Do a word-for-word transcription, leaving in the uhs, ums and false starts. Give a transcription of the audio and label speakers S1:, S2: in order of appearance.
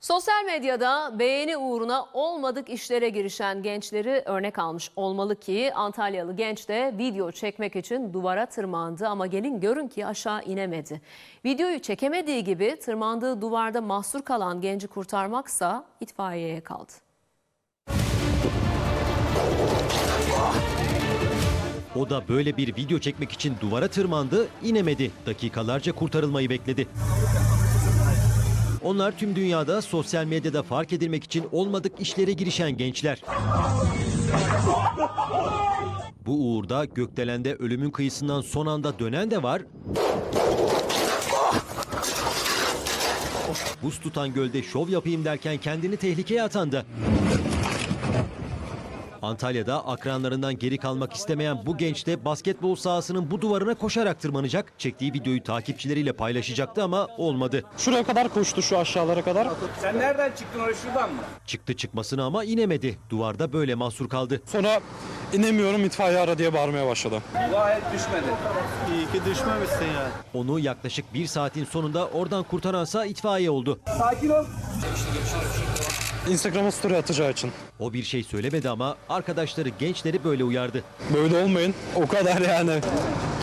S1: Sosyal medyada beğeni uğruna olmadık işlere girişen gençleri örnek almış olmalı ki Antalyalı genç de video çekmek için duvara tırmandı ama gelin görün ki aşağı inemedi. Videoyu çekemediği gibi tırmandığı duvarda mahsur kalan genci kurtarmaksa itfaiyeye kaldı.
S2: O da böyle bir video çekmek için duvara tırmandı, inemedi. Dakikalarca kurtarılmayı bekledi. Onlar tüm dünyada sosyal medyada fark edilmek için olmadık işlere girişen gençler. Bu uğurda gökdelende ölümün kıyısından son anda dönen de var. Buz tutan gölde şov yapayım derken kendini tehlikeye atan da. Antalya'da akranlarından geri kalmak istemeyen bu genç de basketbol sahasının bu duvarına koşarak tırmanacak. Çektiği videoyu takipçileriyle paylaşacaktı ama olmadı.
S3: Şuraya kadar koştu, şu aşağılara kadar.
S4: Sen nereden çıktın oraya, şuradan mı?
S2: Çıktı çıkmasına ama inemedi. Duvarda böyle mahsur kaldı.
S3: Sonra inemiyorum, itfaiye ara diye bağırmaya başladı.
S4: Dua et, düşmedi.
S5: İyi ki düşmemişsin yani.
S2: Onu yaklaşık bir saatin sonunda oradan kurtaransa itfaiye oldu.
S4: Sakin ol.
S3: Instagram'a story atacağı için.
S2: O bir şey söylemedi ama arkadaşları gençleri böyle uyardı.
S3: Böyle olmayın, o kadar yani.